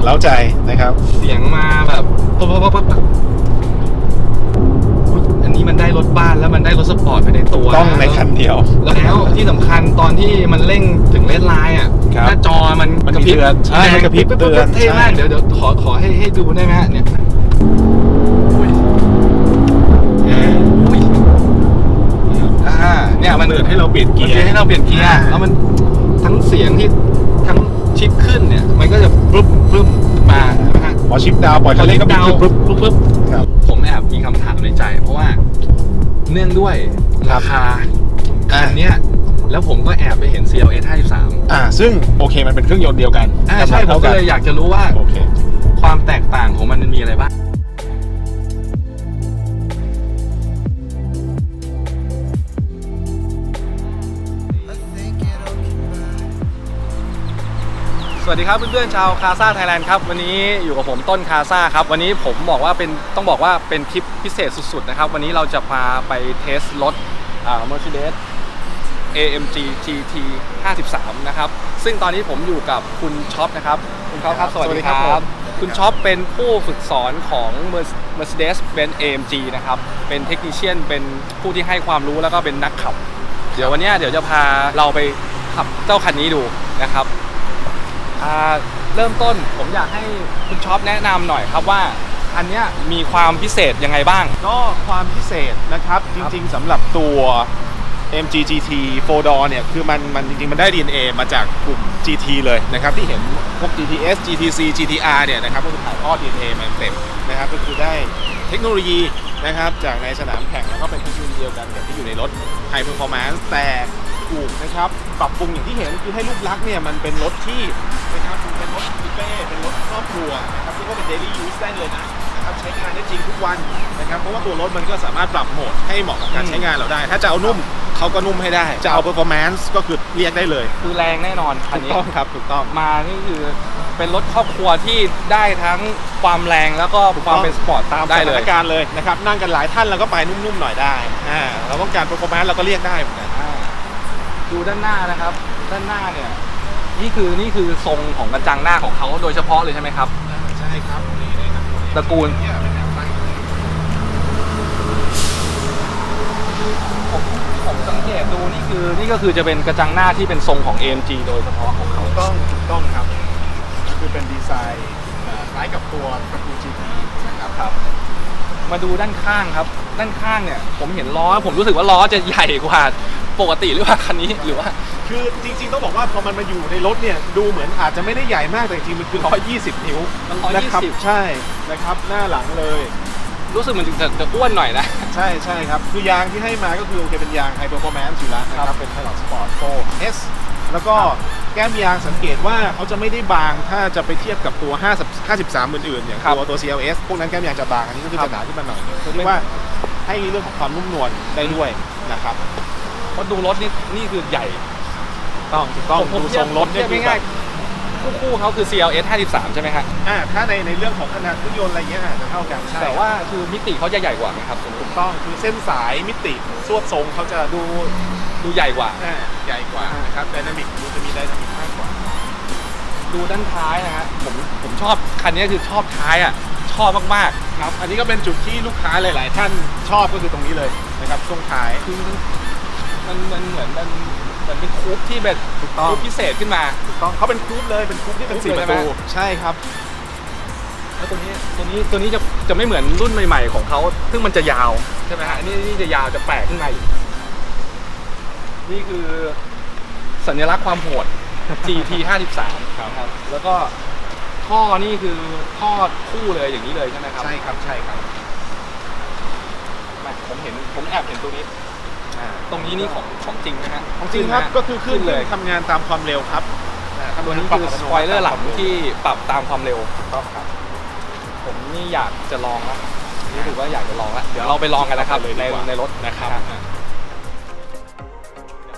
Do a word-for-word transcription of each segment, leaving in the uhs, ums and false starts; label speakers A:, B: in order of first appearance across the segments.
A: เล้าใจนะครับ
B: เสียงมาแบบปั๊บปั๊บปั๊บปั๊บอันนี้มันได้รถบ้านแล้วมันได้รถสปอร์ตไปในตัว
A: ต้องในคันเดียว
B: แล้วที่สำคัญตอนที่มันเร่งถึงเลนไลน์อ่ะหน้าจอมัน
A: กระพริบใช่มันกระพริบเตือน
B: เท่มากเดี๋ยวเดี๋ยวขอขอให้ให้ดูได้ไหมฮะเนี่ยอ่าเนี่ยมัน
A: เตือนให้เราเปลี่ยนเกียร์
B: ให้เราเปลี่ยนเกียร์แล้วมันทั้งเสียงที่ทั้งชิปขึ้นเนี่ยมันก็จะปึ๊บปึ๊บมานะฮะ
A: พอชิปดาวปล่อยคันเร่งก็ปึ๊บปึ๊บปึ๊บปึ๊บ
B: ผมแอบมีคำถามในใจเพราะว่าเนื่องด้วยราคาอันเนี้ยแล้วผมก็แอบไปเห็น ซี แอล เอส ห้าสิบสาม
A: อ่าซึ่งโอเคมันเป็นเครื่องยนต์เดียวกัน
B: อ่าใช่ผมก็เลยอยากจะรู้ว่า
A: โอเค
B: ความแตกต่างของมันมันมีอะไรบ้างสวัสดีครับเพื่อนๆชาวคาซ่าไทยแลนด์ครับวันนี้อยู่กับผมต้นคาซ่าครับวันนี้ผมบอกว่าเป็นต้องบอกว่าเป็นทริปพิเศษสุดๆนะครับวันนี้เราจะพาไปเทสรถอ่า Mercedes เอ เอ็ม จี จี ที ห้าสิบสาม นะครับซึ่งตอนนี้ผมอยู่กับคุณช็อปนะครับคุณช็อปครับสวัสดีครับคุณช็อปเป็นผู้ฝึกสอนของ Mercedes-Benz เอ เอ็ม จี นะครับเป็นเทคนิเชียนเป็นผู้ที่ให้ความรู้แล้วก็เป็นนักขับเดี๋ยววันนี้เดี๋ยวจะพาเราไปขับเจ้าคันนี้ดูนะครับเริ่มต้นผมอยากให้คุณช็อปแนะนำหน่อยครับว่าอันเนี้ยมีความพิเศษยังไงบ้าง
A: ก็ความพิเศษนะครับจริงๆสำหรับตัว เอ็ม จี จี ที โฟร์ door เนี่ยคือมันมันจริงๆมันได้ ดี เอ็น เอ มาจากกลุ่ม จี ที เลยนะครับที่เห็นพวก จี ที เอส จี ที ซี จี ที อาร์ เนี่ยนะครับก็คือถ่ายทอด ดี เอ็น เอ มาเต็มนะครับก็คือได้เทคโนโลยีนะครับจากในสนามแข่งแล้วก็เป็นเทคโนโลยีเดียวกันกับที่อยู่ในรถ High Performance แต่ถูกนะครับปรับปรุงอย่างที่เห็นคือให้รูปลักษณ์เนี่ยมันเป็นรถที่นะครับเป็นรถคูเป้เป็นรถครอบครัวนะครับซึ่งก็เป็น daily use ได้เลยนะนะครับใช้งานได้จริงทุกวันนะครับเพราะว่าตัวรถมันก็สามารถปรับโหมดให้เหมาะกับการใช้งานเราได้ถ้าจะเอานุ่มเขาก็นุ่มให้ได้จะเอา performance ก็คือเรียกได้เลย
B: คือแรงแน่นอนคันนี้
A: ถูกต้องครับถูกต้อง
B: มานี่คือเป็นรถครอบครัวที่ได้ทั้งความแรงแล้วก็ความเป็นสปอร์ต
A: ตามสถานการณ์เลยนะครับนั่งกันหลายท่านเราก็ไปนุ่มๆหน่อยได้อ่าเราต้องการ performance เราก็เรียกได้เหมือนกัน
B: ดูด้านหน้านะครับด้านหน้าเนี่ยนี่คือนี่คือทรงของกระจังหน้าของเขาโดยเฉพาะเลยใช่ไหมครับ
A: ใช่ครับ
B: ตระกูลผมผมสังเกตดูนี่คือนี่ก็คือจะเป็นกระจังหน้าที่เป็นทรงของ เอ เอ็ม จี โดยเฉพาะของเขา
A: ถูกต้องถูกต้องครับคือเป็นดีไซน์คล้ายกับตัวตระกูล จี ที นะครับครับ
B: มาดูด้านข้างครับด้านข้างเนี่ยผมเห็นล้อผมรู้สึกว่าล้อจะใหญ่กว่าปกติหรือว่าคันนี้หรือว่า
A: คือจริงๆต้องบอกว่าพอมันมาอยู่ในรถเนี่ยดูเหมือนอาจจะไม่ได้ใหญ่มากแต่จริงๆมันคือหนึ่งร้อยยี่สิบนิ้วนะครับใช่นะครับหน้าหลังเลย
B: รู้สึกมันจะจะอ้วนหน่อยนะ
A: ใช่ใช่ครับคือยางที่ให้มาก็คือโอเคเป็นยาง High Performance อยู่แล้วนะครับเป็น Hilux Sport โฟร์ เอส แล้วก็แก้มยางสังเกตว่าเขาจะไม่ได้บางถ้าจะไปเทียบกับตัวห้าสิบสามอื่นๆอย่างตัวตัว ซี แอล เอส พวกนั้นแก้มยางจะบางอันนี้ก็คือจะหนาขึ้นมาหน่อยเพื่อที่ว่าให้เรื่องของความนุ่มนวลได้ด้วยนะครับ
B: เพราะดูรถนี่นี่คือใหญ่
A: ต้องต้องดูทรงรถเนี่ย
B: ง่ายๆคู่เขาคือ ซี แอล เอส ห้าสิบสามใช่ไหมฮะ
A: อ่าถ้าในในเรื่องของขนาดเครื่องยนต์อะไรเงี้ยอาจจะเท่ากันใช่
B: แต่ว่าคือมิติเขาจะใหญ่กว่าไหมครับ
A: ถูกต้องคือเส้นสายมิติสวดทรงเขาจะดู
B: ดูใหญ่กว่า
A: อ่าใหญ่กว่านะครับไดนามิกดูจะมีไดนามิกมากกว่า
B: ดูด้านท้ายนะฮะผมผมชอบคันนี้คือชอบท้ายอ่ะชอบมาก
A: ๆครับอันนี้ก็เป็นจุดที่ลูกค้าหลายๆท่านชอบก็คือตรงนี้เลยนะครับช่วงท้าย
B: คือมันมันเหมือนมันเหมือนเป็นคูปที่แบบคูปพิเศษขึ้นมา
A: ถูกต้องเขาเป็นคูปเลยเป็นคูปที่เป็นสี่ประตูใช่ครับ
B: แล้วตัวนี้ตัวนี้ตัวนี้จะจะไม่เหมือนรุ่นใหม่ๆของเขาซึ่งมันจะยาวใช่ไหมฮะนี่นี่จะยาวจะแปลกขึ้นมาอีกนี่คือสัญลักษณ์ความโหด จี ที ห้าสิบสาม ครับแล้วก็ท่อนี่คือท่อคู่เลยอย่างนี้เลยใช่ไหมครับ
A: ใช่ครับใช่ครับ
B: ผมเห็นผมแอบเห็นตัวนี้ตรงนี้นี่ของของจริงนะฮะ
A: ของจริงครับก็คือขึ้นเลยทำงานตามความเร็วครับ
B: ตัวนี้คือสปอยเลอร์หลังที่ปรับตามความเร็วต้องครับผมนี่อยากจะลองแล้วนี่ถือว่าอยากจะลองแล้วเดี๋ยวเราไปลองกันนะครับในในรถนะครับ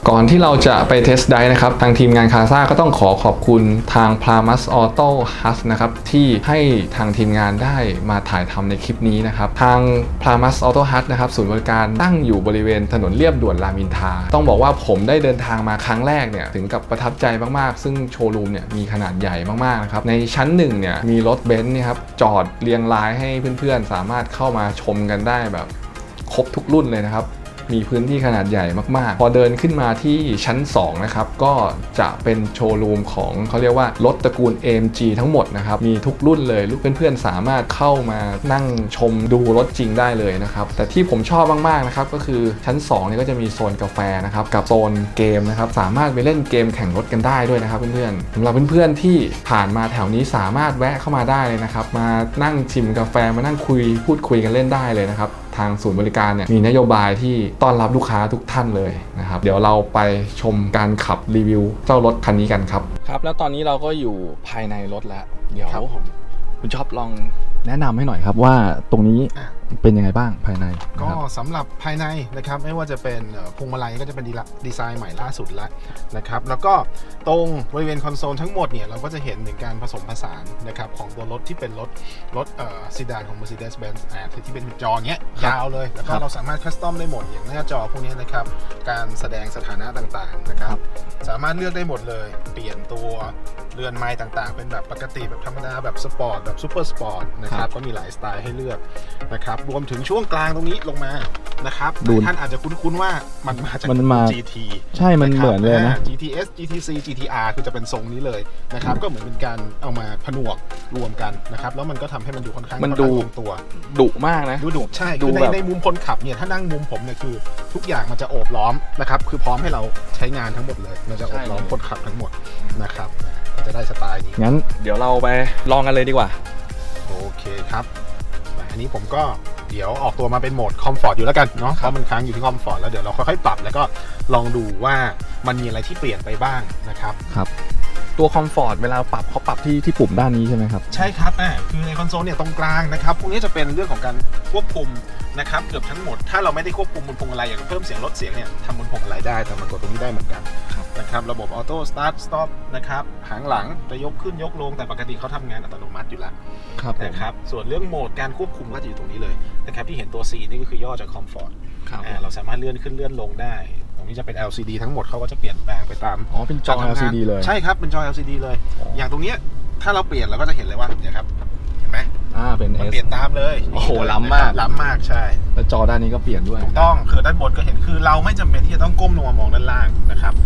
B: ก่อนที่เราจะไปเทสไดฟ์นะครับทางทีมงานคาซ่าก็ต้องขอขอบคุณทาง Plamas Auto Hut นะครับที่ให้ทางทีมงานได้มาถ่ายทำในคลิปนี้นะครับทาง Plamas Auto Hut นะครับศูนย์บริการตั้งอยู่บริเวณถนนเลียบด่วนรามอินทราต้องบอกว่าผมได้เดินทางมาครั้งแรกเนี่ยถึงกับประทับใจมากๆซึ่งโชว์รูมเนี่ยมีขนาดใหญ่มากๆนะครับในชั้นหนึ่งเนี่ยมีรถเบนซ์เนี่ยครับจอดเรียงรายให้เพื่อนๆสามารถเข้ามาชมกันได้แบบครบทุกรุ่นเลยนะครับมีพื้นที่ขนาดใหญ่มากๆพอเดินขึ้นมาที่ชั้นสองนะครับก็จะเป็นโชว์รูมของเขาเรียกว่ารถตระกูล เอ เอ็ม จี ทั้งหมดนะครับมีทุกรุ่นเลยลูกเพื่อนๆสามารถเข้ามานั่งชมดูรถจริงได้เลยนะครับแต่ที่ผมชอบมากๆนะครับก็คือชั้นสองนี่ก็จะมีโซนกาแฟนะครับกับโซนเกมนะครับสามารถไปเล่นเกมแข่งรถกันได้ด้วยนะครับเพื่อนๆสำหรับเพื่อนๆที่ผ่านมาแถวนี้สามารถแวะเข้ามาได้เลยนะครับมานั่งชิมกาแฟมานั่งคุยพูดคุยกันเล่นได้เลยนะครับทางศูนย์บริการเนี่ยมีนโยบายที่ต้อนรับลูกค้าทุกท่านเลยนะครับเดี๋ยวเราไปชมการขับรีวิวเจ้ารถคันนี้กันครับครับแล้วตอนนี้เราก็อยู่ภายในรถแล้วเดี๋ยวคุณชอบลองแนะนำให้หน่อยครับว่าตรงนี้เป็นยังไงบ้างภายใน
A: ก็สำหรับภายในนะครับไม่ว่าจะเป็นพวงมาลัยก็จะเป็นดีไซน์ใหม่ล่าสุดแล้วนะครับแล้วก็ตรงบริเวณคอนโซลทั้งหมดเนี่ยเราก็จะเห็นถึงการผสมผสานนะครับของตัวรถที่เป็นรถรถเอ่อซีดานของ Mercedes-Benz อ่าที่เป็นจอเงี้ยยาวเลยแล้วก็เราสามารถคัสตอมได้หมดอย่างหน้าจอพวกนี้นะครับการแสดงสถานะต่างๆนะครับสามารถเลือกได้หมดเลยเปลี่ยนตัวเรือนไม้ต่างๆเป็นแบบปกติแบบธรรมดาแบบสปอร์ตแบบซูเปอร์สปอร์ตนะครับก็มีหลายสไตล์ให้เลือกนะครับรวมถึงช่วงกลางตรงนี้ลงมานะครับท่านอาจจะคุ้นๆว่ามันมาจาก จี ที
B: ใช่มันเหมือนเลยนะ
A: จี ที เอส จี ที ซี จี ที อาร์ คือจะเป็นทรงนี้เลยนะครับก็เหมือนเป็นการเอามาผนวกรวมกันนะครับแล้วมันก็ทำให้มันดูค่อนข้าง
B: มันดู
A: ลงตัว
B: ดุมากนะ
A: ดูดุใช่คือในในมุมคนขับเนี่ยถ้านั่งมุมผมเนี่ยคือทุกอย่างมันจะโอบล้อมนะครับคือพร้อมให้เราใช้งานทั้งหมดเลยมันจะโอบล้อมคนขับทั้งหมดนะครับจะได้สไตล์นี้
B: งั้นเดี๋ยวเราไปลองกันเลยดีกว่า
A: โอเคครับอันนี้ผมก็เดี๋ยวออกตัวมาเป็นโหมดคอมฟอร์ตอยู่แล้วกันเนาะเพราะมันค้างอยู่ที่คอมฟอร์ตแล้วเดี๋ยวเราค่อยๆปรับแล้วก็ลองดูว่ามันมีอะไรที่เปลี่ยนไปบ้างนะครับ
B: ครับตัวคอมฟอร์ตเวลาปรับเขาปรับที่ที่ปุ่มด้านนี้ใช่ไหมครับ
A: ใช่ครับอ่าคือในคอนโซลเนี่ยตรงกลางนะครับพวกนี้จะเป็นเรื่องของการควบคุมนะครับเกือบทั้งหมดถ้าเราไม่ได้ควบคุมบนพวงมาลัยอย่างเพิ่มเสียงลดเสียงเนี่ยทำบนพวงมาลัยได้แต่มันกดตรงนี้ได้เหมือนกันนะครับระบบออโต้สตาร์ทสต็อปนะครับหางหลังจะยกขึ้นยกลงแต่ปกติเขาทำงานอัตโนมัติอยู่แล้วนะครับส่วนเรื่องโหมดการควบคุมก็จะอยู่ตรงนี้เลยนะครับที่เห็นตัว C นี่ก็คือย่อจากคอมฟอร์ตเราสามารถเลื่อนขึ้นเลื่อนลงได้ตรงนี้จะเป็น แอล ซี ดี ทั้งหมดเขาก็จะเปลี่ยนแปลงไปตาม
B: อ๋อเป็นจอ แอล ซี ดี เลย
A: ใช่ครับเป็นจอ แอล ซี ดี เลยอย่างตรงนี้ถ้าเราเปลี่ยนเราก็จะเห็นเลยว่าเนี่ยครับเห็นไหม
B: อ่าเป็น
A: S เปลี่ยนตามเลย
B: โอ้โหล้ำมาก
A: ล้ำมากใช่
B: แล้วจอด้านนี้ก็เปลี่ยนด้วย
A: ถูกต้องคือด้านบนก็เห็นคือเราไม่จำเป็นที่จะต้องก้มลงมามองด้านล่างนะครับ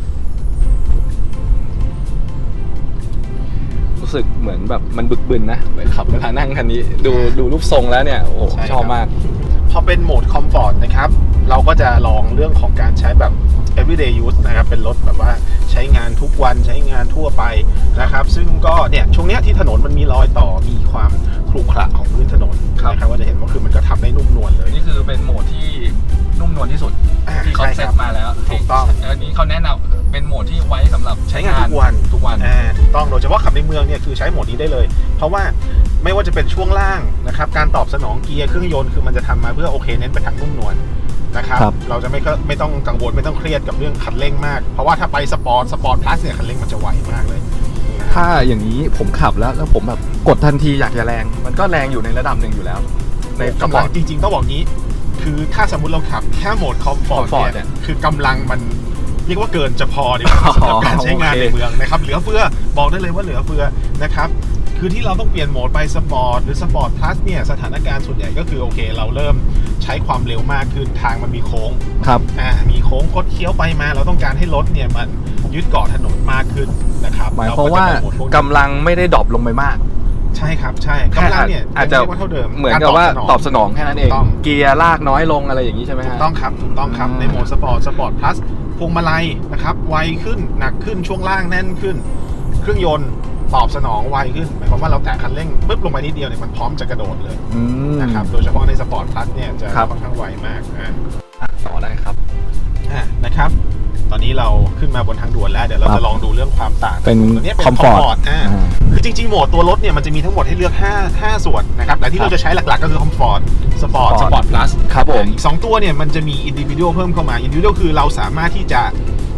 B: รู้สึกเหมือนแบบมันบึกบึนนะเหมือนขับเวลานั่งคันนี้ดูดูรูปทรงแล้วเนี่ยโอ้ชอบมาก
A: พอเป็นโหมดคอมฟอร์ตนะครับเราก็จะลองเรื่องของการใช้แบบ everyday use นะครับเป็นรถแบบว่าใช้งานทุกวันใช้งานทั่วไปนะครับซึ่งก็เนี่ยช่วงเนี้ยที่ถนนมันมีรอยต่อมีความขรุขระของพื้นถนนนะครับว่าจะเห็นว่าคือมันก็ทำได้นุ่มนวลเลย
B: นี่คือเป็นโหมดที่นุ่มนวลที่สุดที่เขาเซตมาแล้ว
A: ถูกต้อง
B: อันนี้เขาแนะนำเป็นโหมดที่ไว้สำหรับ
A: ใช้งานทุกวัน
B: ทุกวัน
A: อ่าถูกต้องโดยเฉพาะขับในเมืองเนี่ยคือใช้โหมดนี้ได้เลยเพราะว่าไม่ว่าจะเป็นช่วงล่างนะครับการตอบสนองเกียร์เครื่องยนต์คือมันจะทำมาเพื่อโอเคเน้นไปทางนุ่มนวลนะครับเราจะไม่ไม่ต้องกังวลไม่ต้องเครียดกับเรื่องคันเร่งมากเพราะว่าถ้าไปสปอร์ตสปอร์ตพลัสเนี่ยคันเร่งมันจะไวมากเลย
B: ถ้าอย่างนี้ผมขับแล้วแล้วผมแบบกดทันทีอยากจะแรงมันก็แรงอยู่ในระดับหนึ่งอยู่แล้ว
A: ในกำลังจริงๆต้องบอกงี้คือถ้าสมมุติเราขับแค่โหมดคอมฟอร์ตเนี่ยคือกำลังมันเรียกว่าเกินจะพอดีกว่าสำหรับการใช้งานในเมืองนะครับเหลือเฟือบอกได้เลยว่าเหลือเฟือนะครับคือที่เราต้องเปลี่ยนโหมดไปสปอร์ตหรือสปอร์ตพลัสเนี่ยสถานการณ์ส่วนใหญ่ก็คือโอเคเราเริ่มใช้ความเร็วมากขึ้นทางมันมีโค้ง
B: ครับ
A: อ่ามีโค้งคดเคี้ยวไปมาเราต้องการให้รถเนี่ยมันยึดเกาะถนนมากขึ้นนะครับ
B: หมายความว่ากำลังไม่ได้ดรอปลงไปมาก
A: ใช่ครับใช่กำลังเนี่ย
B: อาจจะเท่าเดิมเหมือนกับว่าตอบสนองแค่นั้นเองเกียร์ลากน้อยลงอะไรอย่างนี้ใช่ไหม
A: ถูกต้องครับถูกต้องครับในโหมดสปอร์ตสปอร์ตพลัสพวงมาลัยนะครับไวขึ้นหนักขึ้นช่วงล่างแน่นขึ้นเครื่องยนต์ตอบสนองไวขึ้นหมายความว่าเราแตะคันเร่งปึ๊บลงไปนิดเดียวเนี่ยมันพร้อมจะกระโดดเลยนะครับโดยเฉพาะในสปอร์ตพลัสเนี่ยจะค่อนข้างไวมากอ่
B: ะต่อได้ครับ
A: อ่ะนะครับตอนนี้เราขึ้นมาบนทางด่วนแล้วเดี๋ยวเราจะลองดูเรื่องความต่าง
B: เป็นคอมฟอร์ต
A: อ่าคือจริงๆโหมดตัวรถเนี่ยมันจะมีทั้งหมดให้เลือกห้า ห้าส่วนนะครับแต่ที่เราจะใช้หลักๆก็คือคอมฟอร์ตสปอร์ตสปอร์ตพลัส
B: ครับผม
A: อีกสองตัวเนี่ยมันจะมีอินดิวิวเพิ่มเข้ามาอินดิวิวคือเราสามารถที่จะผ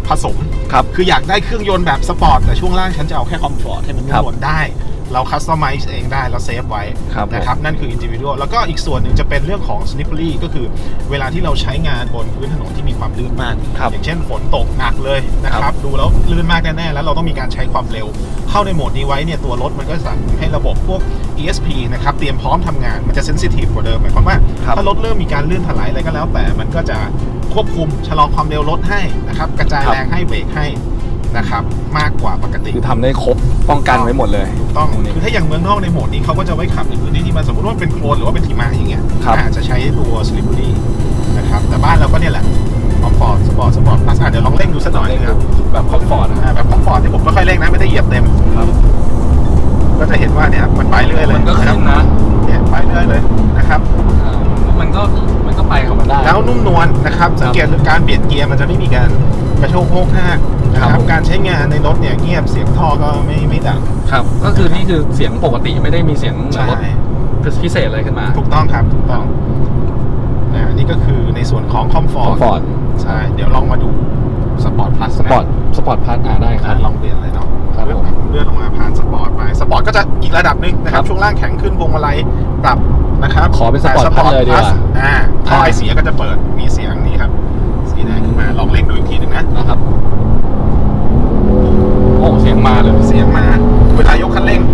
A: ผสม
B: ครับ
A: คืออยากได้เครื่องยนต์แบบสปอร์ตแต่ช่วงล่างฉันจะเอาแค่คอมฟอร์ตให้มันนุ่มนวลได้ เราคัสตอมไมซ์เองได้เราเซฟไว้
B: ครับ
A: นะครับนั่นคือ individual แล้วก็อีกส่วนหนึ่งจะเป็นเรื่องของ slippery ก็คือเวลาที่เราใช้งานบนพื้นถนนที่มีความลื่นมาก อย่างเช่นฝนตกหนักเลยนะครับดูแล้วลื่นมากแน่ๆแล้วเราต้องมีการใช้ความเร็วเข้าในโหมดนี้ไว้เนี่ยตัวรถมันก็สั่งให้ระบบพวก อี เอส พี นะครับเตรียมพร้อมทำงานมันจะ sensitive กว่าเดิมหมายความว่าถ้ารถเริ่มมีการลื่นถลายอะไรก็แล้วแต่มันก็จะควบคุมชะลอความเร็วรถให้นะครับกระจายแรงให้เบรกให้นะครับมากกว่าปกติ
B: คือทำได้ครบป้องกันไว้หมดเลย
A: ถูกต้องคือถ้าอย่างเมืองนอกในโหมดนี้เขาก็จะไว้ขับในพื้นที่ที่มันสมมติว่าเป็นโคลนหรือว่าเป็นหิมะอย่างเงี้ยอาจจะใช้ตัว slippery นะครับแต่บ้านเราก็เนี่ยแหละคอมฟอร์ตสปอร์ตสปอร์ตพลัสเดี๋ยวลองเร่งดูสักหน่อยนะครับ
B: แบบคอมฟอร์ตนะ
A: แบบคอมฟอร์ตที่ผมไม่ค่อยเร่งนะไม่ได้เหยียบเต็ม
B: ครับ
A: ก็จะเห็นว่าเนี่ยมันไปเรื่อยเลย
B: มันก็ขึ้นนะ
A: เนี่ยไปเรื่อยเลยนะครับ
B: อ่ามันก็มันก็ไปของมันได้
A: แล้วนุ่มนวลนะครับสังเกตการเปลี่ยนเกียร์มันจะไม่มีการกระโชกโฮกห้ากนะค
B: ครั
A: รับบ การใช้งานในรถเนี่ยเงียบเสียงท่อก็ไม่ไม่ดัง
B: ครับก็คือนี่คือเสียงปกติไม่ได้มีเสียงเหมือนรถพิเศษอะไรขึ้นมา
A: ถูกต้องครับถูกต้องนะนี่ก็คือในส่วนของคอมฟอร์ต
B: Comfort
A: ใช่เดี๋ยวลองมาดูสปอร์ตพลัส
B: สปอร์ตสปอร์ตพาร์ทอ่าได้ครับ
A: ลองเปลี่ยนเลยเนาะ
B: ครับผม
A: เลื่อนลงมาผ่านสปอร์ตไปสปอร์ตก็จะอีกระดับหนึงนะครั
B: ครับ บ
A: ช่วงล่างแข็งขึ้นพวงมาลัยปรับนะครับ
B: ขอเป็น Sport
A: แต่
B: Plus เลยดีกว่า
A: Plus อ่าท่อไอเสียก็จะเปิดมีเสียงนี้ครับสีแดงขึ้นมาลองเร่งดูอีกทีหนึ่งนะ
B: นะครับโอ้เสียงมาเลย
A: เสียงมาเวลายกคันเร่ง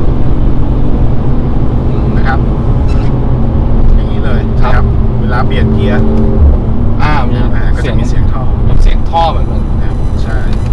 A: นะครับอย่างนี้เลยนะครับเวลาเปลี่ยนเกียร์
B: อ่ามี
A: อ่าก็
B: เสีย
A: จะ
B: ง
A: มีเสียงท่อ
B: เสียงท่อเหมือนกัน
A: นะครับใช่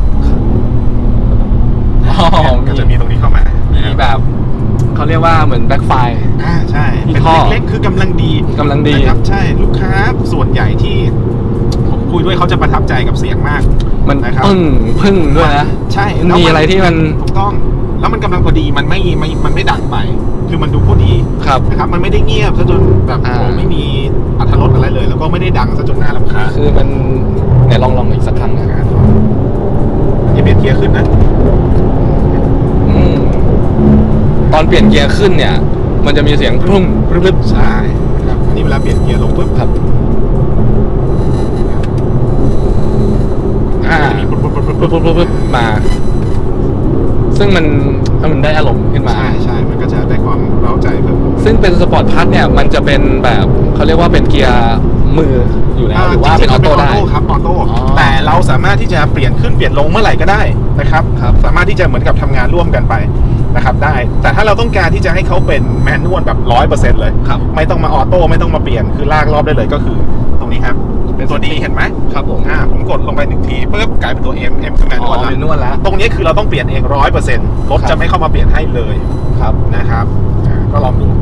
B: อ๋อ
A: ก็จะมีตรงนี้เข้ามา
B: มีแบบเขาเรียกว่าเหมือนแบ็คไฟ
A: อ่าใช่
B: มี
A: เป็น
B: ท่อ
A: เล็กๆคือกำลังดี
B: กำลังดี
A: นะครับใช่ลูกค้าส่วนใหญ่ที่ผมคุยด้วยเขาจะประทับใจกับเสียงมาก
B: มัน
A: นะครับ
B: พึ่งพึ่งด้วยนะ
A: ใช่
B: มันมีอะไรที่มัน
A: ถูกต้อง แล้วมันกำลังพอดีมันไม่ไม่มันไม่ดังไป คือมันดูพอดี
B: ครับ
A: นะครับมันไม่ได้เงียบซะจนแบบ
B: อ่า
A: โอ้ไม่มีอรรถรสอะไรเลย แล้วก็ไม่ได้ดังซะจนน่ารำคาญ
B: คือมันเนี่ยลองลองอีกสักครั้งนะ
A: อย่าเปลี่ยนเกียร์ขึ้นนะ
B: อืมตอนเปลี่ยนเกียร์ขึ้นเนี่ย มันจะมีเสียงพุ่มรึบ
A: ใช่ครับอันนี้เวลาเปลี่ยนเกียร์ลงปุ๊บ
B: ๆครับ อ่า
A: มันจะมีปุ๊บปุ๊บปุ๊บ
B: ปุ๊
A: ปุ๊
B: บบ ปุ๊บปุ๊บมา ซึ่งมันถ้ามันได้อารมณ์ขึ้นมา
A: ใช่ใช่มันก็จะได้ความเร้าใจเพิ่ม
B: ซึ่งเป็นสปอร์ตพัทเนี่ยมันจะเป็นแบบเขาเรียกว่าเป็นเกียร์มืออยู่แล้วหรือว่าเป็นออโต้ได้
A: ครับออโต้
B: อ๋อ
A: แต่เราสามารถที่จะเปลี่ยนขึ้นเปลี่ยนลงเมื่อไหร่ก็ได้นะครับ
B: ครับ
A: สามารถที่จะเหมือนกับทำงานร่วมกันไปนะครับได้ แต่ถ้าเราต้องการที่จะให้เขาเป็นแมนนวลแบบร้อยเปอร์เซ็นต์เลย
B: ครับ
A: ไม่ต้องมาออโต้ไม่ต้องมาเปลี่ยนคือลากรอบได้เลยก็คือตรงนี้ครับ
B: เป็น
A: ตัวดีเห็นไหม
B: ครับผม
A: อ่าผมกดลงไปหนึ่งทีปุ๊บกลายเป็นตัว M M คือแมนน
B: อ๋
A: ว
B: อ
A: ล
B: เป็นนวดแล้ว
A: ตรงนี้คือเราต้องเปลี่ยนเองร้อยเปอร์เซ็นต์รถ
B: ครับ
A: จะไม่เข้ามาเปลี่ยนให้เลย
B: ครับ
A: นะครับอ่าก็ลองดู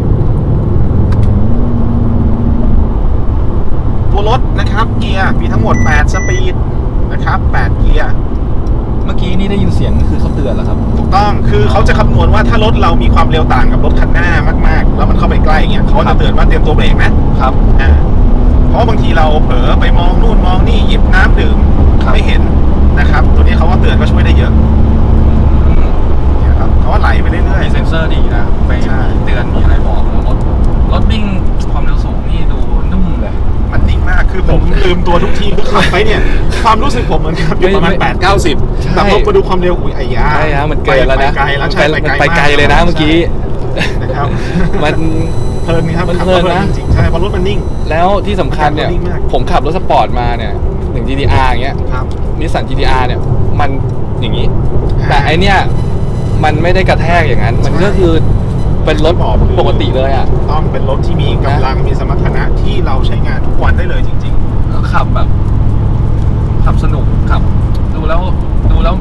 A: ตัวรถนะครับเกียร์มีทั้งหมดแปดสปีดนะครับแปดเกียร์
B: เมื่อกี้นี่ได้ยินเสียงคือเขาเตือนเหรอครับ
A: ถูกต้องคือเขาจะคำนวณว่าถ้ารถเรามีความเร็วต่างกับรถคันหน้ามากๆแล้วมันเข้าไปใกล้เงี้ยเขา
B: ครั
A: จะ
B: บ
A: เตือนว่าเตรียมตัวเบรกนะครับ อ่าเพราะบางทีเราเผลอไปมองนู่นมองนี่หยิบน้ำดื่ม
B: ครับ
A: ไม่เห็นนะครับตัวนี้เขาว่าเตือนก็ช่วยได้เยอะเนี่ยครับเขาว่าไหลไปเรื่อย
B: มีเซ็นเซอร์ดีนะไป
A: ใช่
B: เตือนมีอะไรบอกรถรถวิ่งความเร็วสูงนี่ดูนุ่มเลย
A: ๆมันนิ่งมากคือผมลืมตัวทุกทีคือขับไปเนี่ยความรู้สึกผมเหมือนกับอยู่ประมาณ
B: ไม่
A: แปดเก้าสิบ
B: ใช่
A: แต่พอมาดูความเร็วอุ้ยไอ้ยา
B: ใช่ฮะมันเกินแล้วนะ
A: ไปไกลแล้วใช่
B: มัน
A: ไป
B: ไป
A: ไก
B: ไก
A: ล
B: ลเลยนะเมื่อกี้
A: นะครับ
B: มัน
A: เพลินครับ
B: มัน
A: ขับ
B: เพลิน
A: แล้ว
B: นะ
A: จริงๆใช่เพราะรถมันนิ่ง
B: แล้วที่สำคัญเนี่ย
A: นิ่งมาก
B: ผมขับรถสปอร์ตมาเนี่ยหนึ่ง จี ที อาร์ อย่างเงี้ย
A: ครับ
B: นิสสัน จี ที อาร์ เนี่ยมันอย่างนี้
A: อ่า
B: แต่ไอเนี่ยมันไม่ได้กระแทกอย่างนั้น มันก็คือเป็นรถ
A: บอกคือ
B: ปกติเลยอ่ะ
A: ต้องเป็นรถที่มีกำลังมีสมรรถนะที่เราใช้งานทุกวันได้เลยจริง
B: แล้วขับแบบ ขับสนุกขับ ดูแล้วดูแล้ว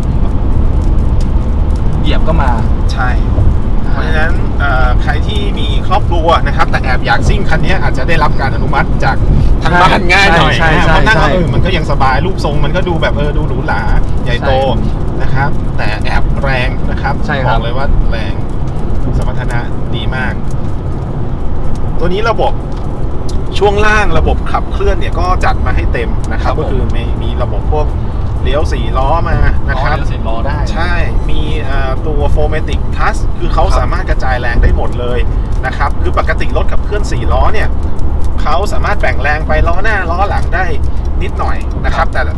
B: เหยียบก็มา
A: ๆ ใช่ เพราะฉะนั้นเอ่อใครที่มีครอบครัวนะครับ แต่แอบอยากซิ่งคันนี้อาจจะได้รับการอนุมัติจากทางบ้านง่ายหน่อย
B: ใช่ใช่
A: เพราะนั่ง
B: ใช่
A: แล้วเออมันก็ยังสบายรูปทรงมันก็ดูแบบเออดูหรูหราใหญ่โตนะครับ แต่แอบแรงนะครับ
B: ใช่ครับ
A: บอกเลยว่าแรงสมรรถนะดีมาก ตัวนี้ระบบช่วงล่างระบบขับเคลื่อนเนี่ยก็จัดมาให้เต็มนะครับ ก็คือมีมีระบบพวกเลี้ยวสี่ล้อมานะครับ
B: อ๋อเลี้ยวสี่ล้อได้
A: ใช่ มีเอ่อตัว โฟร์แมติก Plus คือเขา
B: ครับ
A: สามารถกระจายแรงได้หมดเลยนะครับ คือปกติรถขับเคลื่อนสี่ล้อเนี่ยเขาสามารถแบ่งแรงไปล้อหน้าล้อหลังได้นิดหน่อยนะครับ แต่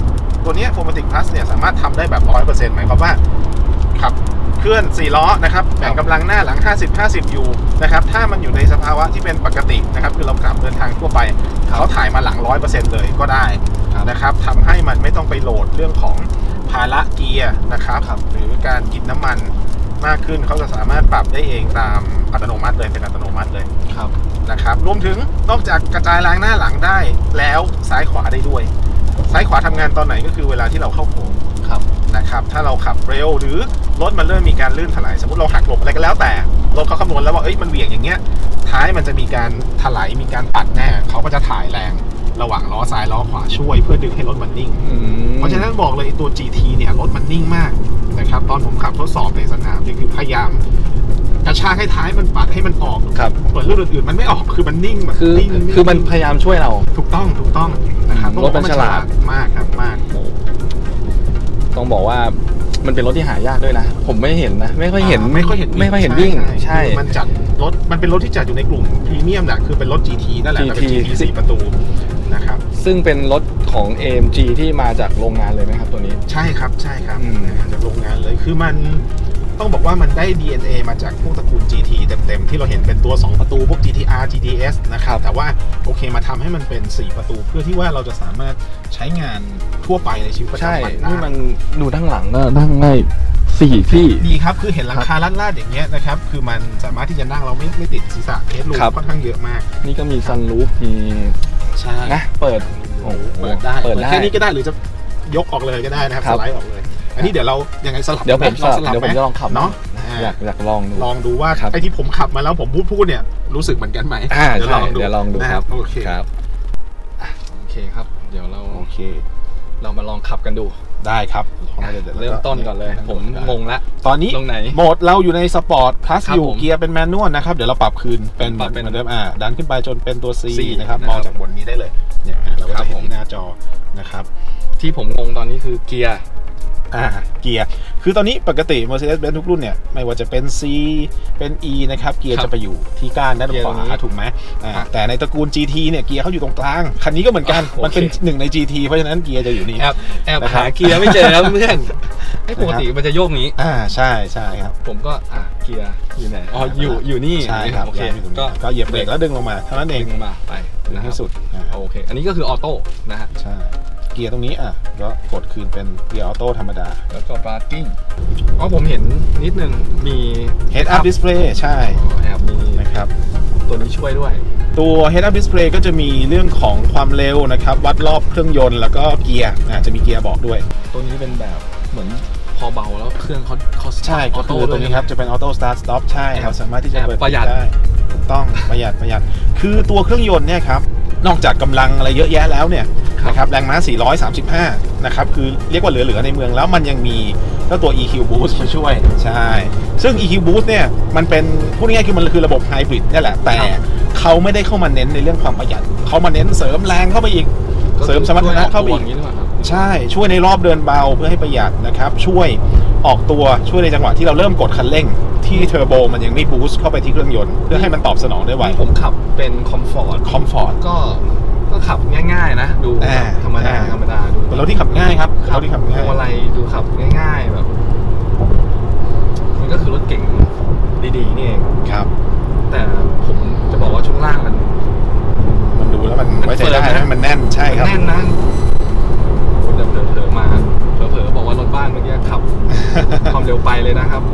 A: ตัวเนี้ย โฟร์แมติก พลัส เนี่ยสามารถทำได้แบบ ร้อยเปอร์เซ็นต์ หมายความว่าขับเคลื่อนสี่ล้อนะครับแบ่งกำลังหน้าหลัง ห้าสิบ ห้าสิบ อยู่นะครับถ้ามันอยู่ในสภาวะที่เป็นปกตินะครับคือเราขับเดินทางทั่วไปเขาถ่ายมาหลัง ร้อยเปอร์เซ็นต์ เลยก็ได้นะครับทำให้มันไม่ต้องไปโหลดเรื่องของภาระเกียร์นะครับหรือการกินน้ำมันมากขึ้นเขาจะสามารถปรับได้เองตามอัตโนมัติเลยเป็นอัตโนมัติเลยครับนะครับรวมถึงนอกจากกระจายแรงหน้าหลังได้แล้วซ้ายขวาได้ด้วยซ้ายขวาทำงานตอนไหนก็คือเวลาที่เราเข้าโค้งนะครับถ้าเราขับเร็วหรือรถมันเริ่มมีการลื่นถลายสมมติเราหักหลบอะไรก็แล้วแต่รถเขาคำนวณแล้วว่าเอ้ยมันเหวี่ยงอย่างเงี้ยท้ายมันจะมีการถลายมีการปัดแน่เขาก็จะถ่ายแรงระหว่างล้อซ้ายล้อขวาช่วยเพื่อดึงให้รถมันนิ่งเพราะฉะนั้นบอกเลยตัว จี ที เนี่ยรถมันนิ่งมากนะครับตอนผมขับทดสอบในสนามเนี่ยคือพยายามกระชากให้ท้ายมันปัดให้มันออกเปิดรุ่นอื่นๆมันไม่ออกคือมันนิ่งแบบ
B: คือคือมันพยายามช่วยเรา
A: ถูกต้องถูกต้องนะครับ
B: รถมันฉลาด
A: มากครับมาก
B: ต้องบอกว่ามันเป็นรถที่หายากด้วยนะผมไม่เห็นนะไม่ค่อยเห็น
A: ไม่ค่อยเห็น
B: ไม่ค่อยเห็นวิ่งใช่
A: มันจัดรถมันเป็นรถที่จัดอยู่ในกลุ่มพรีเมียมแหละคือเป็นรถ จี ที นั่นแหละแต่เป็น จี ที สี่ประตูนะครับ
B: ซึ่งเป็นรถของ เอ เอ็ม จี ที่มาจากโรงงานเลยไหมครับตัวนี้
A: ใช่ครับใช่ครับจากโรงงานเลยคือมันต้องบอกว่ามันได้ ดี เอ็น เอ มาจากพวกตระกูล จี ที เต็มๆที่เราเห็นเป็นตัวสองประตูพวก จี ที อาร์ จี ที เอส นะครับแต่ว่าโอเคมาทำให้มันเป็นสี่ประตูเพื่อที่ว่าเราจะสามารถใช้งานทั่วไปในชีวิตประจำวันได้
B: นี่มันดูด้านหลังก็นั่งง่ายสี่ที่
A: ดีครับคือเห็นหลังคาลาดๆอย่างเงี้ยนะครับคือมันสามารถที่จะนั่งเราไม่ไม่ติดศีรษะเฮดรูมค่อนข้างเยอะมาก
B: นี่ก็มีซันรูฟมี
A: ใช่
B: นะเปิด
A: เปิดได้เปิดได้แค่นี้ก็ได้หรือจะยกออกเลยก็ได้นะครับสไลด์ออกเลยอันนี้เดี๋ยวเรายังไงสลับ
B: เดี๋ยวผมสลับเดี๋ยวผมจะลองขับ
A: เนาะ
B: อยากอยากลองดู
A: ลองดูว่าไอ้ที่ผมขับมาแล้วผมพูดพูดเนี่ยรู้สึกเหมือนกันไหม
B: เดี๋ยวลองดูเดี๋ยวลองดูครับ
A: โอเค
B: ครับโอเคครับเดี๋ยวเรา
A: โอเค
B: เรามาลองขับกันดู
A: ได้ครับ
B: เริ่มต้นก่อนเลยผมงงละ
A: ตอนนี้
B: ตรงไหน
A: โหมดเราอยู่ในสปอร์ตพลัสอยู่เกียร์เป็นแมนนวลนะครับเดี๋ยวเราปรับคืนเป็นเหมือนเดิมอ่าดันขึ้นไปจนเป็นตัว C นะครับมองจากบนนี้ได้เลยเนี่ยเราก็จะเห็นที่หน้าจอนะครับ
B: ที่ผมงงตอนนี้คือเกียร์
A: อ่าเกียร์คือตอนนี้ปกติ Mercedes-Benz ทุกรุ่นเนี่ยไม่ว่าจะเป็น C เป็น E นะครับเกียร์จะไปอยู่ที่ก้านด้านขวาถูกไหมอ่าแต่ในตระกูล จี ที เนี่ยเกียร์เขาอยู่ตรงกลางคันนี้ก็เหมือนกันมันเป็นหนึ่งใน จี ที เพราะฉะนั้นเกียร์จะอยู่นี่
B: แอบแอบหาเกียร์ไม่เจอแล้วเพื่อนไอ้ปกติมันจะโยกนี้
A: อ่าใช่ใช่ครับ
B: ผมก็อ่ะเกียร์อยู่ไหนอ๋ออยู่อยู่นี่
A: ใช่ครับโอเคก็
B: ก็
A: เหยียบเบรกแล้วดึงลงมาเท่านั้นเอง
B: ดึงมาไป
A: ดึงให้สุด
B: โอเคอันนี้ก็คือออโต้นะฮะ
A: ใช่เกียร์ตรงนี้อ่ะก็กดคืนเป็นเกียร์ออโต้ธรรมดา
B: แล้วก็พาร์กิ้งอ๋อผมเห็นนิดนึงมี
A: Head Up Display ใช่
B: แอบมี
A: นะครับ
B: ตัวนี้ช่วยด้วย
A: ตัว Head Up Display ก็จะมีเรื่องของความเร็วนะครับวัดรอบเครื่องยนต์แล้วก็เกียร์อ่ะจะมีเกียร์บอกด้วย
B: ตัวนี้เป็นแบบเหมือนพอเบาแล้วเครื่องเขาเขา
A: ใช่ก็คือตัวนี้ครับจะเป็นออโต้สตาร์ทสต็อปใช่ครับสามารถที่จะเปิด
B: ประหยัด
A: ได้ถูกต้องประหยัดประหยัดคือตัวเครื่องยนต์เนี่ยครับนอกจากกำลังอะไรเยอะแยะแล้วเนี่ยนะครับแรงม้าสี่ร้อยสามสิบห้านะครับคือเรียกว่าเหลือๆในเมืองแล้วมันยังมีเจ้าตัว อี คิว Boost มาช่วยใช่ซึ่ง อี คิว Boost เนี่ยมันเป็นพูดง่ายๆคือมันคือระบบไฮบริดนี่แหละแต่เขาไม่ได้เข้ามาเน้นในเรื่องความประหยัดเขามาเน้นเสริมแรงเข้าไปอีกเสริมสมรรถนะเข้าไปอีกใช่ช่วยในรอบเดินเบาเพื่อให้ประหยัดนะครับช่วยออกตัวช่วยในจังหวะที่เราเริ่มกดคันเร่งที่เทอร์โบมันยังไม่บูสต์เข้าไปที่เครื่องยนต์เพื่อให้มันตอบสนองได้ไว
B: ผมขับเป็นคอมฟอร์ต
A: คอมฟอร์ต
B: ก็ก็ขับง่ายๆนะดูธรรมดาธรรมดาดู
A: เป็นรถที่ขับง่ายครับรถที่ขับง่าย
B: อะไรดูขับง่ายๆแบบมันก็คือรถเก่งดีๆนี่เอง
A: ครับ
B: แต่ผมจะบอกว่าช่วงล่างมัน
A: มันดูแล้วมันไว้ใจได้นะมันแน่นใช่ครับ
B: แน่นนะเดินเผลอๆมาเผลอๆบอกว่ารถบ้านเมื่อกี้ขับความเร็วไปเลยนะครับ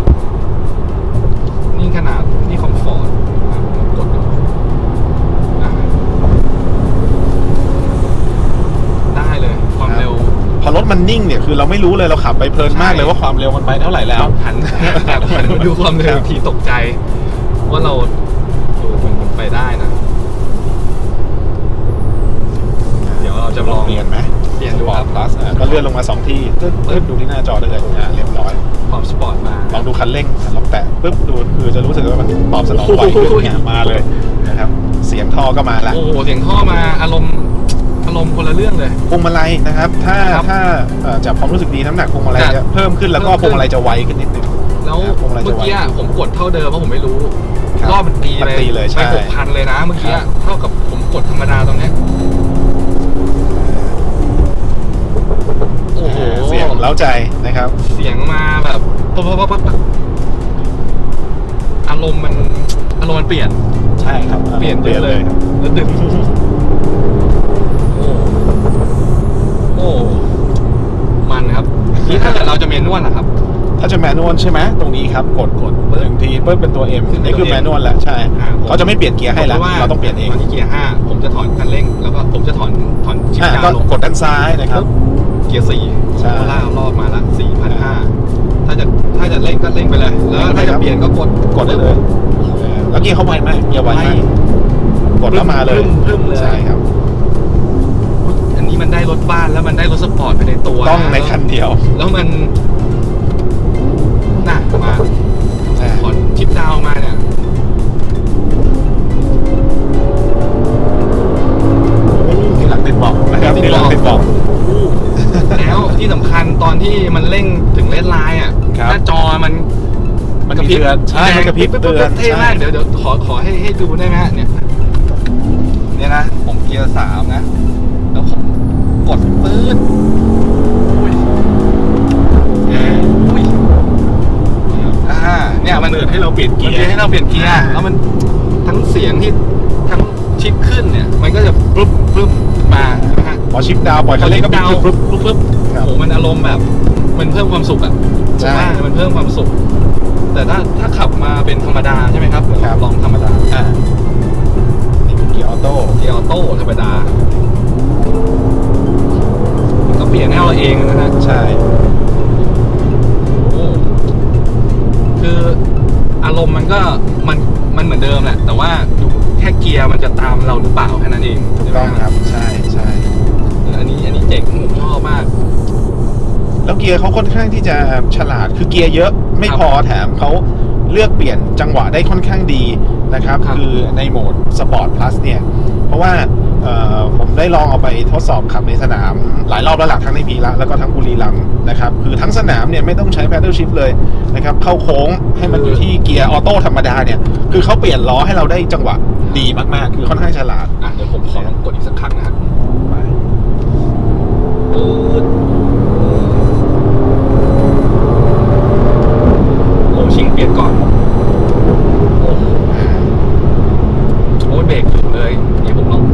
B: นี่ขนาดนี่คอมฟอร์ตกดได้เลยความเร็ว
A: พอรถมันนิ่งเนี่ยคือเราไม่รู้เลยเราขับไปเพลินมากเลยว่าความเร็วมันไปเท่าไหร่แล้ว
B: หันแบบหันมาดูความเร็วทีตกใจว่าเราดูมันไปได้นะเดี๋ยวเราจะลอง
A: เปลี่ยนไหม
B: เปลี่ยนดูครับ
A: plus ก็เลื่อนลงมาสองทีปึ๊บดูที่หน้าจอได้เลยเรียบร้อย
B: ความสปอร์ตมา
A: ลองดูคันเร่งลองแตะปึ๊บดูคือจะรู้สึกว่ามันตอบสนองไวขึ้นเนี่ยมาเลยนะครับเสียงท่อก็มาละ
B: โอ้โหเสียงท่อมาอารมณ์อารมณ์คนละเรื่องเลย
A: พวงมาลัยนะครับถ้าถ้าจับความรู้สึกดีน้ำหนักพวงมาลัยจะเพิ่มขึ้นแล้วก็พวงมาลัยจะไวขึ้นนิดนึง
B: แล้วเมื่อกี้ผมกดเท่าเดิมเพราะผมไม่รู้รอบมันตีเลยไปหกพันเลยนะเมื่อกี้เท่ากับผมกดธรรมดาตรงนี้อ้โห
A: เสียงเล้าใจนะครับ
B: เสียงมาแบบปั๊บปั๊บปั๊บปั๊บอารมณ์มันอารมณ์มันเปลี่ยน
A: ใช่ครับ
B: เปลี่ยน
A: เปลี่ยนเลย
B: แล้วดึงโอ้โอ้มันครับนี่ถ้าเกิดเราจะเมนวลล่ะครับ
A: ถ้าจะแมนนวลใช่ไหมตรงนี้ครับกดกดหนึ่งทีเพิ่มเป็นตัว M
B: ขึ้นเป็น
A: นี่คือ
B: ตัว M
A: แมนนวลแล้วใช่
B: อ่าผม
A: เขาจะไม่เปลี่ยนเกียร์ให้แล้ว
B: พะ
A: เราต้องเปลี่ยนเอง
B: ตอนที่เกียร์ห้าผมจะถอนคันเร่งแล้วก็ผมจะถอนถอนชิป
A: อ่า
B: ดาว
A: ก็
B: ลง
A: กดด้านซ้ายนะครับ
B: เกียร์สี่
A: ใช่
B: โคล่ารอบมาละสี่พันห้าถ้าจะถ้าจะเร่งก็เร่งไปเลย แล้วถ้าจะเปลี่ยนก็กด
A: กดได้เลยเออแล้วเกียร์เขาไวไหมเกียร์ไวมากกดแล้วมาเลย
B: พึ่มๆเลย
A: ใช่ครับ
B: อันนี้มันได้รถบ้านแล้วมันได้รถสปอร์ตไปในตัว
A: ต้องในคันเดียว
B: แล้วมันน่ะมา
A: ใช่
B: ถอนชิปดาวมาเนี่ย
A: ที่หลังติดเบอกนะครับที่หลังติดเบอก
B: แล้วที่สำคัญตอนที่มันเร่งถึงเลนไลน์อ่ะ
A: ครับ
B: หน้าจอมัน
A: มันกระพริบใช่มันกระพริบเตือน
B: เท่มากเดี๋ยวเดี๋ยวขอขอให้ให้ดูได้ไหมฮะเนี่ยเนี่ยนะผมเกียร์สามนะแล้วผมกดปื๊ดอุ้ยอุ้ยอ่าเนี่ยมัน
A: เตือนให้เราเปลี่ยนเกียร์
B: มันให้เราเปลี่ยนเกียร์แล้วมันทั้งเสียงที่ทั้งชิปขึ้นเนี่ยมันก็จะปุ๊บปุ๊บมาใช่ไหมฮะ
A: พอชิปดาวปล่อยคันเร่งก็
B: ดาว
A: ปึ๊บ
B: ปุ๊บปุ๊บ
A: ครับ
B: โอ้โหมันอารมณ์แบบมันเพิ่มความสุขอ่ะ
A: ใช่
B: ผมว่ามันเพิ่มความสุข แต่ถ้าถ้าขับมาเป็นธรรมดาใช่ไหมครับเดี๋ยว
A: ครับ
B: ลองธรรมดา
A: อ่านี่คือเกียร์ออโต้
B: เกียร์ออโต้ธรรมดาก็เปลี่ยนให้เราเองนะฮะ
A: ใช่
B: โอ้คืออารมณ์มันก็มันมันเหมือนเดิมแหละแต่ว่าอยู่แค่เกียร์มันจะตามเราหรือเปล่าแค่นั้นเอง
A: ถูก
B: ใช่ไหม
A: ต้องครับใช่ใช่
B: อันนี้อันนี้เจ๋งผมชอบมาก
A: แล้วเกียร์เขาค่อนข้างที่จะฉลาดคือเกียร์เยอะไม่พอแถมเขาเลือกเปลี่ยนจังหวะได้ค่อนข้างดีนะครับ
B: ครับ
A: คือในโหมดสปอร์ตพลัสเนี่ยเพราะว่าเอ่อผมได้ลองเอาไปทดสอบขับในสนามหลายรอบแล้วหลักทั้งในพีระแล้วก็ทั้งบุรีรัมย์นะครับคือทั้งสนามเนี่ยไม่ต้องใช้ paddle shift เลยนะครับเข้าโค้งให้มันอยู่ที่เกียร์ออโต้ธรรมดาเนี่ยคือเขาเปลี่ยนล้อให้เราได้จังหวะดีมากๆ คือค่อนข้างฉลาด
B: อ่ะเดี๋ยวผมขอลองกดอีกสักครั้งนะฮะ
A: ไป
B: ปื๊ดโอ้ชิงเปลี่ยนก่อนโอ้โหโอ้ยเบรกถึงเลยนี่ผมลอง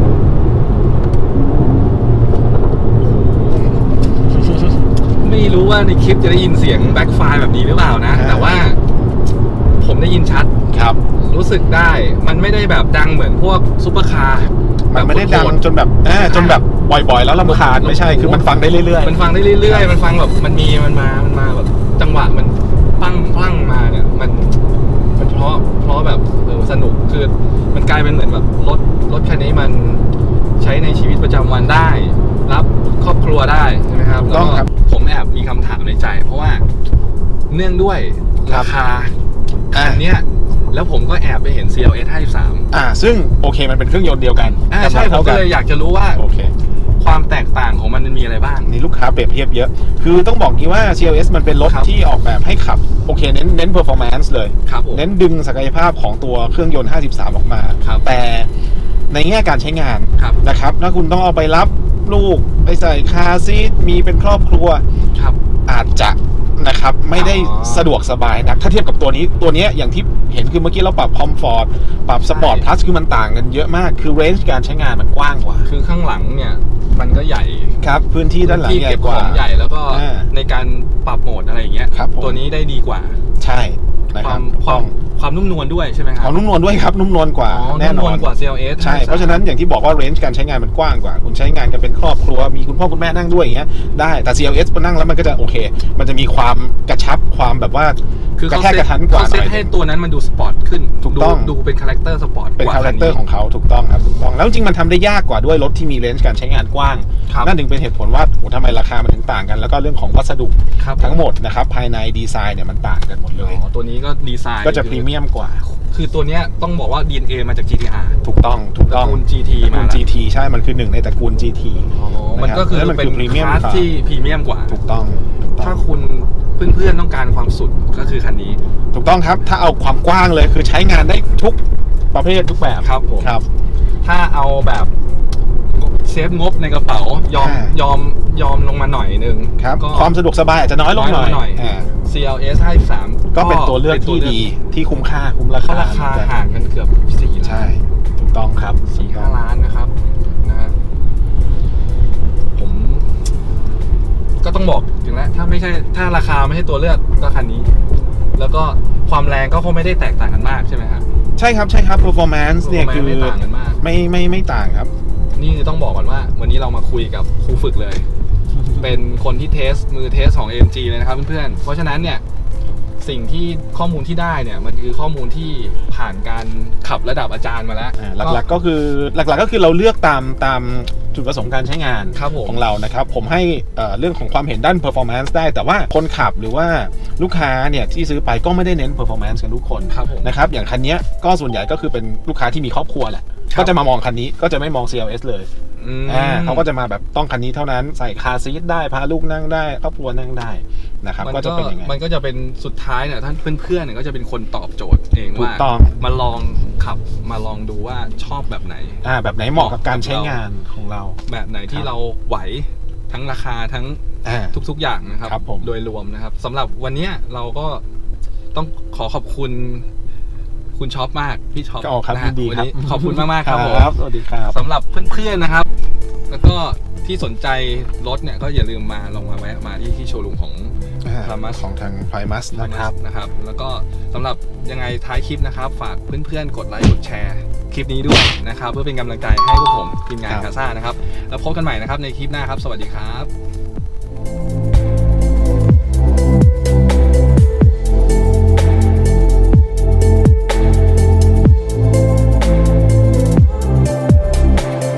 B: ไม่รู้ว่าในคลิปจะได้ยินเสียงแบ็คไฟล์แบบนี้หรือเปล่านะ แต่ว่าผมได้ยินชัด
A: ครับ
B: รู้สึกได้ มันไม่ได้แบบดังเหมือนพวกซุปเปอร์คาร์
A: มันไม่ได้ดังจนแบบอ่าจนแบบบ่อยๆ แล้วรำคาญไม่ใช่คือมันฟังได้เรื่อยๆ
B: มันฟังได้เรื่อยๆ มันฟังแบบมันมีมันมา มันมาแบบจังหวะมันปั้งปั้งมาเนี่ยมันมันเพราะเพราะแบบเออสนุกคือมันกลายเป็นเหมือนแบบรถรถคันนี้มันใช้ในชีวิตประจำวันได้ รับครอบครัวได้ใช่ไหมครับแล้วก็ผมแอบมีคำถามในใจ เพราะว่าเนื่องด้วยราคาคันเนี้ยแล้วผมก็แอบไปเห็น ซี แอล เอส ห้าสิบสาม
A: อ่าซึ่งโอเคมันเป็นเครื่องยนต์เดียวกัน
B: อ่าใช่ผมก็เลยอยากจะรู้ว่า
A: โอเค
B: ความแตกต่างของมันมีอะไรบ้าง
A: นี่ลูกค้าเปรียบเทียบเยอะ คือต้องบอกงี้ว่า ซี แอล เอส มันเป็นรถ
B: ครับ
A: ที่ออกแบบให้ขับโอเคเน้นเน้น performance เลย
B: ครับผม
A: เน้นดึงศักยภาพของตัวเครื่องยนต์ห้าสิบสามออกมา
B: ครับ
A: แต่ในแง่การใช้งาน
B: ครับ
A: นะครับถ้าคุณต้องเอาไปรับลูกไปใส่คาร์ซีทมีเป็นครอบครัว
B: ครับ
A: อาจจะนะครับไม่ได้
B: อ๋อ
A: สะดวกสบายนักถ้าเทียบกับตัวนี้ตัวเนี้ยอย่างที่เห็นคือเมื่อกี้เราปรับคอมฟอร์ตปรับสปอร์ต
B: ใช่
A: พลัสคือมันต่างกันเยอะมากคือเรนจ์การใช้งานมันกว้างกว่า
B: คือข้างหลังเนี่ยมันก็ใหญ่
A: ครับพื้นที่ด้านหลัง
B: ที่
A: ใหญ่
B: เก็บ
A: ก
B: ข
A: ว่า
B: องใหญ่แล้วก็
A: อ่า
B: ในการปรับโหมดอะไรอย่างเงี้ย
A: ครับผม
B: ตัวนี้ได้ดีกว่า
A: ใช่นะ
B: ค
A: ครั
B: วา
A: บ
B: มความความนุ่มนวลด้วยใช่ไหมครั
A: ข
B: บ
A: องนุ่มนวลด้วยครับนุ่มนวลกว่า
B: อ๋อ
A: แน่น
B: นุ่ม
A: อน
B: วลกว่า ซี แอล เอส
A: ใช่เพราะฉะนั้นอย่างที่บอกว่าเรนจ์การใช้งานมันกว้างกว่า คุณใช้งานกันเป็นครอบครัวมีคุณพ่อคุณแม่นั่งด้วยอย่างเงี้ยได้แต่ ซี แอล เอส พอนั่งแล้วมันก็จะโอเค มันจะมีความกระชับความแบบว่า
B: คือก
A: ระ
B: เขา
A: แทก
B: เซ
A: ก
B: ต
A: ระทันกว่า
B: เขา
A: ห
B: เซ
A: น่
B: ต
A: อย
B: ให้ตัวนั้นมันดูสปอร์ตขึ้น
A: ถูกต้อง
B: ดูดูเป็นคาแรคเตอร์สปอร์ต
A: เป็น
B: กว่า
A: คาแรคเตอร์ของเขาถูกต้องครับถูกต้องแล้วจริงๆมันทำได้ยากกว่าด้วยรถที่มีเรนจ์การใช้งานกว้าง
B: ครับ
A: นั่นถึงเป็นเหตุผลว่าโอ้ทำไมราคามันถึงต่างกัน แล้วก็เรื่องของวัสดุ
B: ครับ
A: ทั้งหมดนะครับภายในดีไซน์เนี่ยมันต่างกันหมดเลย
B: อ๋อตัวนี้ก็ดีไซน์
A: ก็จะพรีเมียมกว่า
B: คือตัวเนี้ยต้องบอกว่า ดี เอ็น เอ มาจาก จี ที อาร์
A: ถูกต้องถูก
B: ต
A: ต้
B: ระ
A: อง
B: กูล จี ที
A: ตระกู
B: มา
A: ล
B: แล้ว
A: จี ที ใช่มันคือหนึ่งในตระกูล จี ที
B: อ๋อมันก็คือ
A: แล้วมัน
B: เป็น
A: คือ premium
B: คลาส
A: car
B: ที่พรีเมียมกว่า
A: ถูกต้องถูกต้
B: ถ้า
A: อง
B: คุณเพื่อนๆต้องการความสุดก็คือคันนี้
A: ถูกต้องครับถ้าเอาความกว้างเลยคือใช้งานได้ทุกประเภททุกแบบ
B: ครับผม
A: ครับ
B: ถ้าเอาแบบเซฟงบในกระเป๋ายอม
A: อ่าย
B: ยอมยอมลงมาหน่อยนึง
A: ครับ
B: ก็
A: ความสะดวกสบายอาจจะน้อยลงหน่อย
B: น้อยลงหน่อย
A: อ่า
B: ซี แอล เอส ห้าสิบสาม
A: ก็เป็นตัวเลือกที่ดีที่คุ้มค่าคุ้มรา
B: เพราะ
A: คา
B: ราคา
A: เหมือนกัน
B: ห่างกันเกือบสี่ล้าน
A: ใช่ถูกต้องครับ
B: สี่ห้าล้านนะครับนะฮะผมก็ต้องบอกถึงแล้วถ้าไม่ใช่ถ้าราคาไม่ใช่ตัวเลือกก็คันนี้ แล้วก็ความแรงก็คงไม่ได้แตกต่างกันมากใช่ไหมครับ
A: ใช่ครับใช่ครับ performance เนี่ยคือ
B: ไม่ต่างกันมาก
A: ไม่ไม่ไม่ต่างครับ
B: นี่คือต้องบอกก่อนว่า วันนี้เรามาคุยกับครูฝึกเลย เป็นคนที่เทสมือเทสของ เอ็ม จี เลยนะครับเพื่อนๆเพราะฉะนั้นเนี่ยสิ่งที่ข้อมูลที่ได้เนี่ยมันคือข้อมูลที่ผ่านการขับระดับอาจารย์มาแล้ว
A: อ่าหลักๆก็คือหลักๆก็คือเราเลือกตามตามจุดประสงค์การใช้งาน
B: ครับผม
A: ของเรานะครับผมให้เอ่อเรื่องของความเห็นด้าน performance ได้แต่ว่าคนขับหรือว่าลูกค้าเนี่ยที่ซื้อไปก็ไม่ได้เน้น performance กันทุกคน
B: ครับผม
A: นะครับอย่างคันเนี้ยก็ส่วนใหญ่ก็คือเป็นลูกค้าที่มีครอบครัวแหละ
B: ครับ
A: ก็จะมามองคันนี้ก็จะไม่มอง ซี แอล เอส เลย
B: อืม
A: อ่าเขาก็จะมาแบบต้องคันนี้เท่านั้นใส่คาร์ซีทได้พาลูกนั่งได้ครอบครัวนั่งได้นะครับ
B: มัน
A: ก็
B: ก็
A: จะเป็นอย่างนั้น
B: มันก็จะเป็นสุดท้ายเนี่ยท่านเพื่อนๆเนี่ยก็จะเป็นคนตอบโจทย์เอง
A: ถู
B: ว่าก
A: ต้อง
B: มาลองขับมาลองดูว่าชอบแบบไหน
A: อ่าแบบไหนเหมาะกับการใช้งานของเรา
B: แบบไหนที่
A: ครับ
B: เราไหวทั้งราคาทั้ง
A: อ่า
B: ทุกๆอย่างนะครับ
A: ครับผม
B: โดยรวมนะครับสำหรับวันเนี้ยเราก็ต้องขอขอบคุณคุณช็อปมากพี่ช็อป
A: ก็ออกครับ
B: นะ
A: ยิ
B: ฮะ
A: นดี
B: วัน
A: ครับ
B: นี้ขอบคุณมากๆครับผม
A: สวัสดีครับ
B: สำหรับเพื่อนๆนะครับ แล้วก็ที่สนใจรถเนี่ยก็อย่าลืมมาลองมาแวะมาที่ที่โชว์รูมของ
A: อ่า
B: Primus
A: ของทาง Primus นะครับ
B: นะครับ แล้วก็สำหรับยังไงท้ายคลิปนะครับ ฝากเพื่อนๆกดไลค์กดแชร์คลิปนี้ด้วยนะครับ เพื่อเป็นกำลังใจให้พวกผมทีมงาน
A: ครับ
B: คาซ่านะครับแล้วพบกันใหม่นะครับในคลิปหน้าครับ สวัสดีครับ